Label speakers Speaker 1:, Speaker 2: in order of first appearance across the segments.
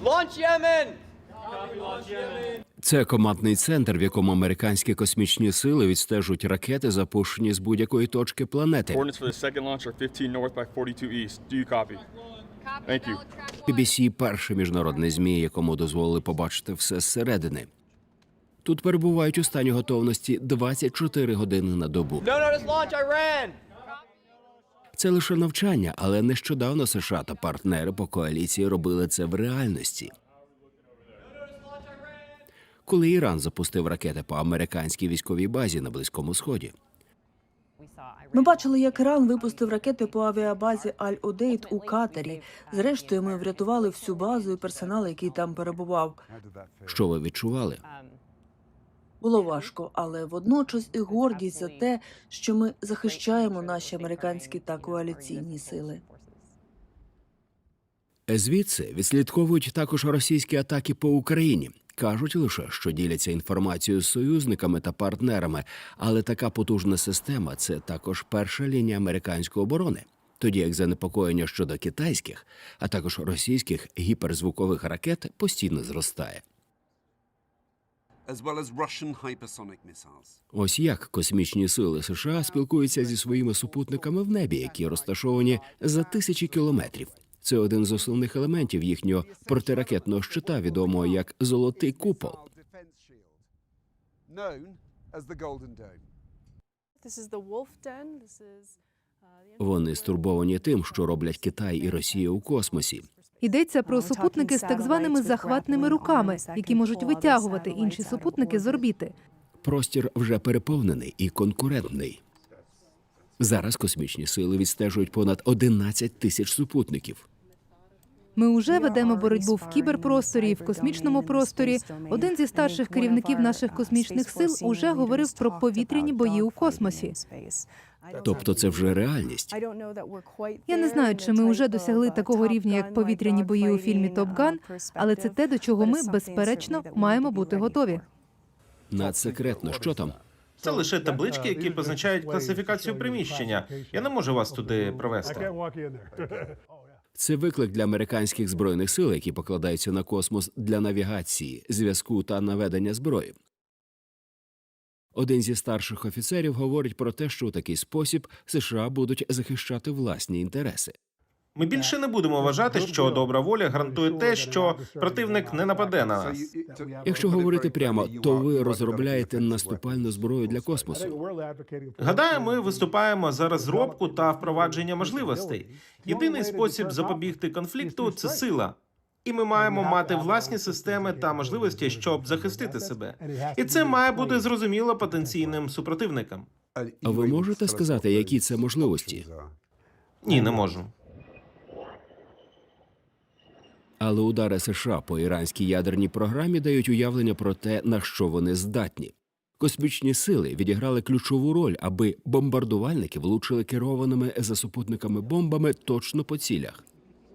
Speaker 1: Launch Yemen!
Speaker 2: Це командний центр, в якому американські космічні сили відстежують ракети, запущені з будь-якої точки планети.
Speaker 3: Coordinates for the second launch are 15 north by 42 east. Do you copy? Thank you.
Speaker 2: BBC – перший міжнародний ЗМІ, якому дозволили побачити все зсередини. Тут перебувають у стані готовності 24 години на добу.
Speaker 1: No notice launch Iran!
Speaker 2: Це лише навчання, але нещодавно США та партнери по коаліції робили це в реальності. Коли Іран запустив ракети по американській військовій базі на Близькому Сході.
Speaker 4: Ми бачили, як Іран випустив ракети по авіабазі Аль-Удейд у Катарі. Зрештою, ми врятували всю базу і персонал, який там перебував.
Speaker 2: Що ви відчували?
Speaker 4: Було важко, але водночас і гордість за те, що ми захищаємо наші американські та коаліційні сили.
Speaker 2: Звідси відслідковують також російські атаки по Україні. Кажуть лише, що діляться інформацією з союзниками та партнерами, але така потужна система – це також перша лінія американської оборони. Тоді як занепокоєння щодо китайських, а також російських гіперзвукових ракет постійно зростає. Ось як космічні сили США спілкуються зі своїми супутниками в небі, які розташовані за тисячі кілометрів. Це один з основних елементів їхнього протиракетного щита, відомого як «Золотий купол». Вони стурбовані тим, що роблять Китай і Росія у космосі.
Speaker 5: Йдеться про супутники з так званими захватними руками, які можуть витягувати інші супутники з орбіти.
Speaker 2: Простір вже переповнений і конкурентний. Зараз космічні сили відстежують понад 11 тисяч супутників.
Speaker 5: Ми уже ведемо боротьбу в кіберпросторі і в космічному просторі. Один зі старших керівників наших космічних сил уже говорив про повітряні бої у космосі.
Speaker 2: Тобто це вже реальність.
Speaker 5: Я не знаю, чи ми вже досягли такого рівня, як повітряні бої у фільмі «Топ Ган», але це те, до чого ми, безперечно, маємо бути готові.
Speaker 2: Надсекретно, що там?
Speaker 6: Це лише таблички, які позначають класифікацію приміщення. Я не можу вас туди провести.
Speaker 2: Це виклик для американських збройних сил, які покладаються на космос для навігації, зв'язку та наведення зброї. Один зі старших офіцерів говорить про те, що у такий спосіб США будуть захищати власні інтереси.
Speaker 6: Ми більше не будемо вважати, що добра воля гарантує те, що противник не нападе на нас.
Speaker 2: Якщо говорити прямо, то ви розробляєте наступальну зброю для космосу.
Speaker 6: Гадаю, ми виступаємо за розробку та впровадження можливостей. Єдиний спосіб запобігти конфлікту – це сила. І ми маємо мати власні системи та можливості, щоб захистити себе. І це має бути зрозуміло потенційним супротивникам.
Speaker 2: А ви можете сказати, які це можливості?
Speaker 6: Ні, не можу.
Speaker 2: Але удари США по іранській ядерній програмі дають уявлення про те, на що вони здатні. Космічні сили відіграли ключову роль, аби бомбардувальники влучили керованими за супутниками бомбами точно по цілях.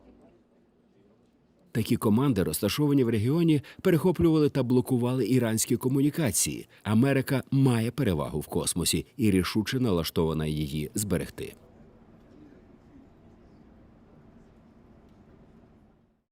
Speaker 2: Такі команди, розташовані в регіоні, перехоплювали та блокували іранські комунікації. Америка має перевагу в космосі і рішуче налаштована її зберегти.